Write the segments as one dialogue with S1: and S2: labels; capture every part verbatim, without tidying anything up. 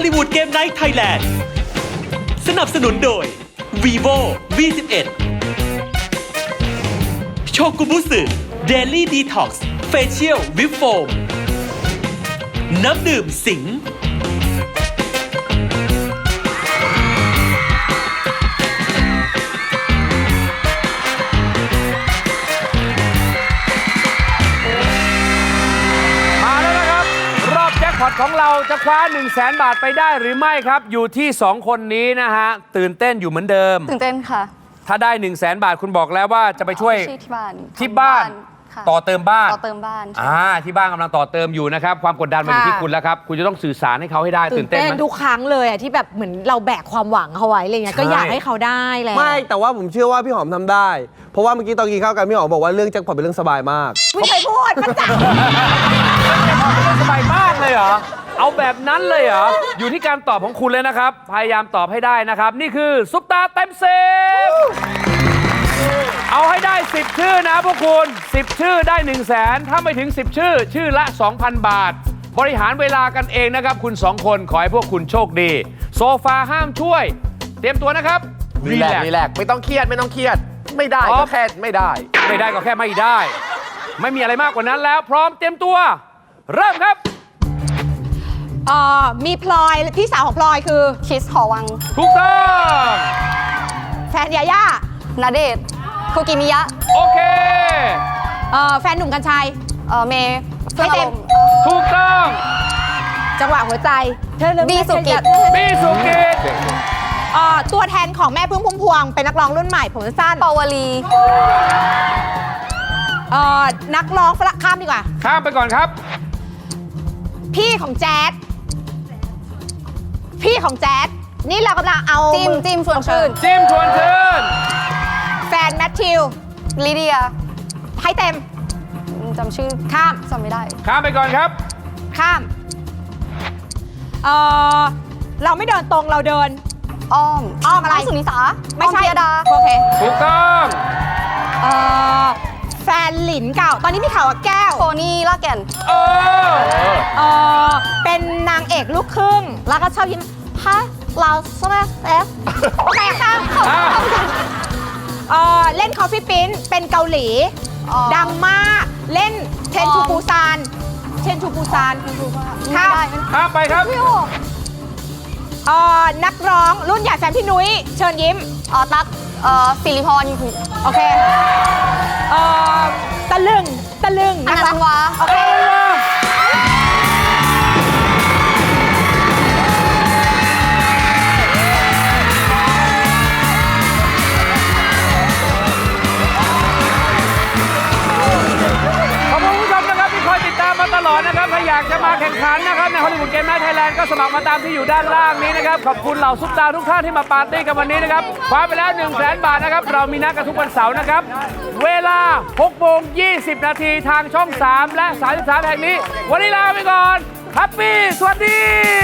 S1: ลลีวูดเกมไนท์ไทยแลนด์สนับสนุนโดย vivo วี สิบเอ็ด โชกุบุสึ Daily Detox Facial Whip Foam น้ำดื่มสิงห์
S2: พอตของเราจะคว้า หนึ่งแสน บาทไปได้หรือไม่ครับอยู่ที่สองคนนี้นะฮะตื่นเต้นอยู่เหมือนเดิม
S3: ตื่นเต้นค่ะ
S2: ถ้าได้ หนึ่งแสน บาทคุณบอกแล้วว่าจะไปช่วย
S3: ที่บ้าน
S2: ที่บ้านต่อเติมบ้าน
S3: ต่อเติมบ้าน
S2: อ่าที่บ้านกำลังต่อเติมอยู่นะครับความกดดันมันอยู่ที่คุณแล้วครับคุณจะต้องสื่อสารให้เขาให้ได้ตื่นเต้นไหม
S4: ทุกครั้งเลยอ่ะที่แบบเหมือนเราแบกความหวังเขาไว้อะไรเงี้ยก็อยากให้เขาได้แหละ
S5: ไม่แต่ว่าผมเชื่อว่าพี่หอมทำได้เพราะว่าเมื่อกี้ตอนกินข้าวกันพี่หอมบอกว่าเรื่องแจ็คพอตเป็นเรื่องสบายมาก
S4: ไม่เคยพูดมันจัง
S2: เป็นเรื่องสบายมากเลยเหรอเอาแบบนั้นเลยเหรออยู่ที่การตอบของคุณเลยนะครับพยายามตอบให้ได้นะครับนี่คือซุปตาเต็มสิบเอาให้ได้สิบชื่อนะพวกคุณสิบชื่อได้ หนึ่งแสน ถ้าไม่ถึงสิบชื่อชื่อละ สองพัน บาทบริหารเวลากันเองนะครับคุณสองคนขอให้พวกคุณโชคดีโซฟาห้ามช่วยเตรียมตัวนะครับ
S6: รีแลกซ์รีแลกซ์ไม่ต้องเครียดไม่ต้องเครียดไม่ได้ก็แค่ไม่ได้
S2: ไม่ได้ก็แค่ไม่ได้ไม่มีอะไรมากกว่านั้นแล้วพร้อมเตรียมตัวเริ่มครับ
S4: เอ่อมีพลอยพี่สาวของพลอยคือ
S3: คิสหอวัง
S2: ถูกต้อง
S4: แฟนยาย่า
S3: ณเดชน์คุกิมิยะ
S2: โอเค
S4: เอ่อแฟนหนุ่มกัญชัย
S3: เอ่อเมย์
S4: ให้เต็ม
S2: ถูกต้อง
S4: จังหวะหัวใจ
S3: บีสุกิต
S2: บีสุกิต
S4: เอ่อตัวแทนของแม่พึ่งพุ่มพวงเป็นนักร้องรุ่นใหม่ผมสั้น
S3: ปาวลี
S4: เอ่อนักร้องฝรั่งข้ามดีกว่า
S2: ข้ามไปก่อนครับ
S4: พี่ของแจ๊ดพี่ของแจ๊ดนี่เรากำลังเอา
S3: จิมจิมชวนชื่น
S2: จิมชวนชื่น
S4: แฟนแมทธิว
S3: ลิเดีย
S4: ให้เต็ม
S3: จำชื่อ
S4: ข้าม
S3: จำไม่ได้
S2: ข้ามไปก่อนครับ
S4: ข้ามเออเราไม่เดินตรงเราเดิน
S3: อ้อม
S4: อ้อมอะไร
S3: สุนิสา
S4: ไม่ใช่
S3: ดา
S4: โอเค
S2: ถูกต้อง
S4: เออแฟนหลินเก่าตอนนี้มีข่าวกับแก้ว
S3: โทนี่ลากแก่น
S2: เออ
S4: เออเป็นนางเอกลูกครึ่งแล้วก็ชอบยิ้มฮะเราสแลเอฟโอเคข้ามเออเล่นคอฟฟี่ปิ้นเป็นเกาหลีดังมากเล่นเทนทูปูซานเทนทูปูซาน
S3: ข้าม
S2: ข้ามไปครับ
S4: เออนักร้องรุ่นใหญ่แฟนพี่นุ้ยเชิญยิ้ม
S3: อ๋อตั๊กเอ่อสิริพร
S4: โอเคเออตะลึงตะลึง
S3: อนันต์วา
S4: โอเค
S2: ตลอดนะครับถ้าอยากจะมาแข่งขันนะครับในฮอลลีวูดเกมไนท์ไทยแลนด์ก็สมัครมาตามที่อยู่ด้านล่างนี้นะครับขอบคุณเหล่าซุปตาทุกท่านที่มาปาร์ตี้กันวันนี้นะครับคว้าไปแล้ว หนึ่งแสน บาทนะครับเรามีนัดกันทุกวันเสาร์นะครับเวลา หกโมงยี่สิบ นาทีทางช่องสามและสามสิบสามแห่งนี้วันนี้ลาไปก่อนแฮปปี้สวัสดี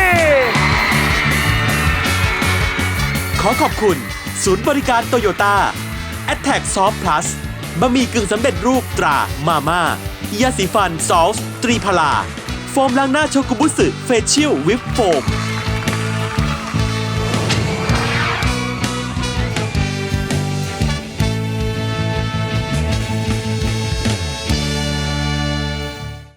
S1: ขอขอบคุณศูนย์บริการโตโยต้า แอทแทค Soft Plus บะหมี่กึ่งสำเร็จรูปตรามาม่ายาสีฟันซอลส์ตรีพลาโฟมล้างหน้าโชกุบุสึเฟเชียลวิปโฟม